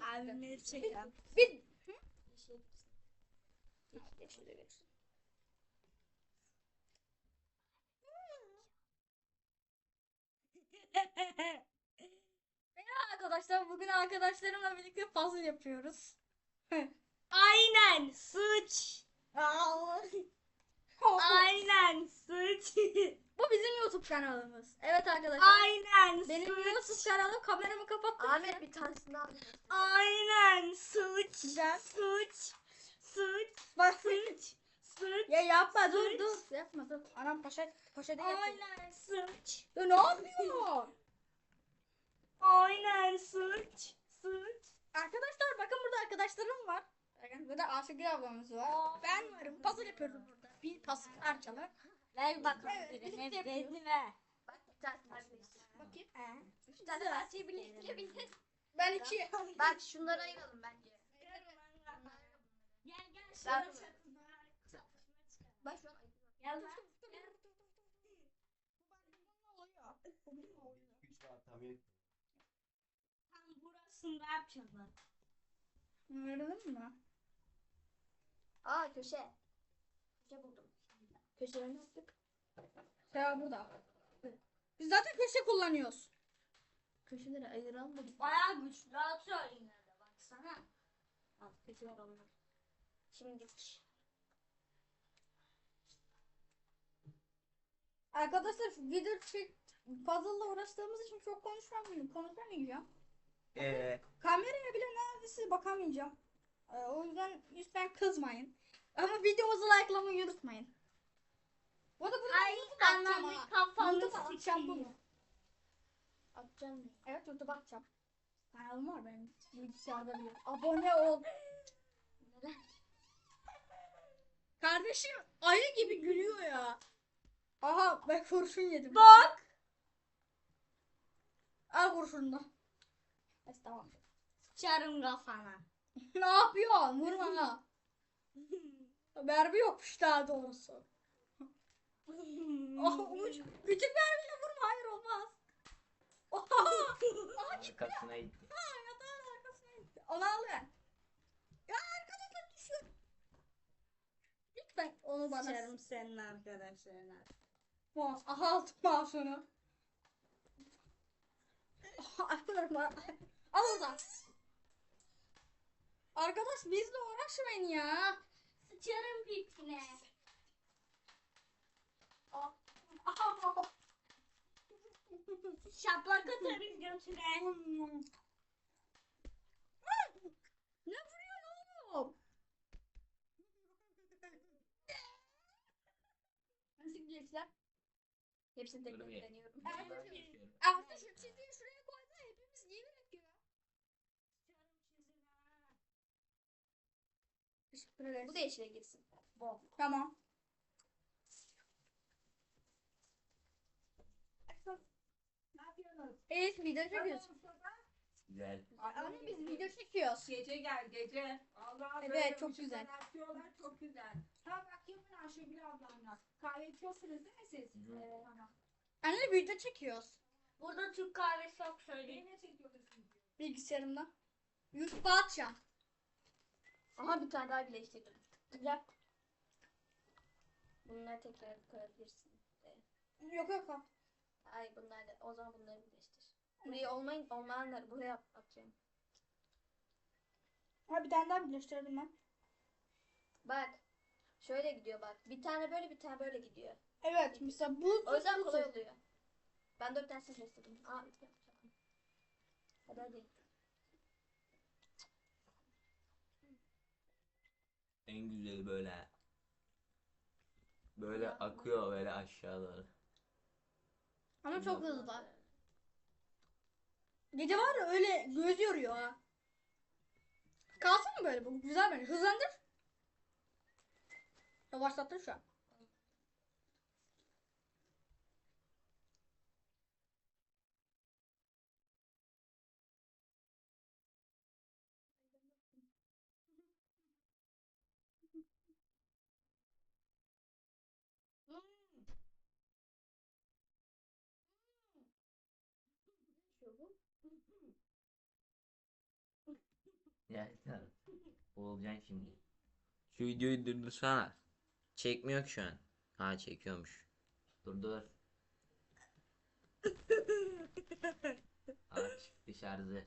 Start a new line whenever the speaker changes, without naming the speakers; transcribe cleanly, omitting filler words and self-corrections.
Abimle çekelim.
Bir arkadaşlar bugün arkadaşlarımla birlikte puzzle yapıyoruz.
Aynen sıç. Aynen sıç.
Bu bizim YouTube kanalımız. Evet arkadaşlar.
Aynen
Benim YouTube
sıç.
kanalım, kameramı kapattım.
Ahmet bir tanesini al.
Aynen sıç.
Güzel.
Sıç. Sıç.
Bak.
Sıç. Sıç.
Ya yapma dur
Sıç.
dur. Yapma dur. Anam poşet yapıyor.
Aynen sıç.
Ya ne yapıyor?
Aynen sıç. Sıç.
Arkadaşlar bakın burada arkadaşlarım var. Bakın burada Ayşegül ablamız var. Ben varım. Puzzle yapıyoruz burada. Bir puzzle parçalı.
Ver bakalım
Evet,
birine.
birlikte yapıyoruz.
Bezini ver.
Bak bir tanesini birleştir.
Bakayım.
Üç tane parçayı birleştirebiliriz.
Ben iki.
Bak şunları ayıralım bence.
Gel gel.
Ben-
şuraya.
Bak şu an ayırıyorum.
Gel lan.
Güç var tabii.
Tam burasında yapacağız bak.
Anladın mı?
Aa köşe. Köşe buldum. Köşeleri ne yaptık?
Ya burada. Biz zaten köşe kullanıyoruz.
Köşeleri ayıralım da.
Bayağı güçlü atıyor yine de baksana.
Al köşeler onlar. Şimdi
Arkadaşlar video puzzle'la uğraştığımız için çok konuşamayacağım. Kameraya bile neredeyse bakamayacağım. O yüzden lütfen kızmayın. Ama videomuzu likelamayı unutmayın. Bu arada bunu
Ay
YouTube'a atacağım
ananı
ha.
kafanı
YouTube'a atacağım
sikeyim.
bunu.
atacağım mı?
Evet YouTube'a atacağım. Kanalım var benim. Bilgisayarda bile. Abone ol.
Neden?
Kardeşim ayı gibi gülüyor ya. Aha ben kurşun yedim.
Bak.
Al kurşunu da. Neyse tamam.
Sıçarım kafana.
Ne yapıyorsun? Vurma ha. Mermi yokmuş daha doğrusu. Oh, küçük mermiyle vurma. Hayır olmaz. Oha. Aha çıktı.
Arkasına gitti.
Ha yatağın arkasına gitti. Onu al ben. Ya arkadaşlar düşüyor. Lütfen onu bana.
Sıçarım senin arkadaşlarına.
Mouse. Aha aldım mouse'unu. Al oradan. Arkadaş bizle uğraşmayın ya.
Sıçarım pipine. Şaplak atarım götüne.
Ne vuruyorsun oğlum? Nasıl gençler?
Hepsini tek tek
Dur bir.
deniyorum.
Artık şu çizgiyi şuraya koy da hepimiz yemin ediyor. Teşekkür ederiz.
Bu da yeşile girsin.
Tamam.
Ne yapıyorsunuz?
Evet video çekiyoruz.
Güzel.
Anne biz video çekiyoruz.
Gece gel gece. Allah
Evet,
böyle
çok
ışıklar
güzel.
Atıyorlar çok güzel. Ha bak yapın Ayşegül ablamla. Kahve içiyorsunuz değil mi siz?
Evet.
Tamam.
Anne video çekiyoruz.
Burada Türk kahvesi yok söyleyeyim. Ne çekiyorsunuz?
Bilgisayarımda. YouTube'a atacağım.
Aha bir tane daha birleştirdim. Güzel. Bunları tekrar koyabilirsin.
Yok yok yok.
Ay bunlar da o zaman bunları birleştir. Buraya olmayanları buraya atacağım.
Ha bir tane daha birleştirdim ben.
Bak. Şöyle gidiyor bak. Bir tane böyle bir tane böyle gidiyor.
Evet mesela bu.
O yüzden kolay oluyor. Ben 4 tanesini birleştirdim. Aa yapacağım. Hadi hadi.
En güzeli böyle. Böyle akıyor böyle aşağı doğru.
Ama çok hızlı. Gece var ya öyle göz yoruyor ha. Kalsın mı böyle bu? Güzel bence. Hızlandır. Yavaşlattın şu an.
Şu bu.
Yani tamam. Olacaksın şimdi. Şu videoyu durdursana. Çekmiyor ki şu an. Ha çekiyormuş. Dur. Aç dışarıda.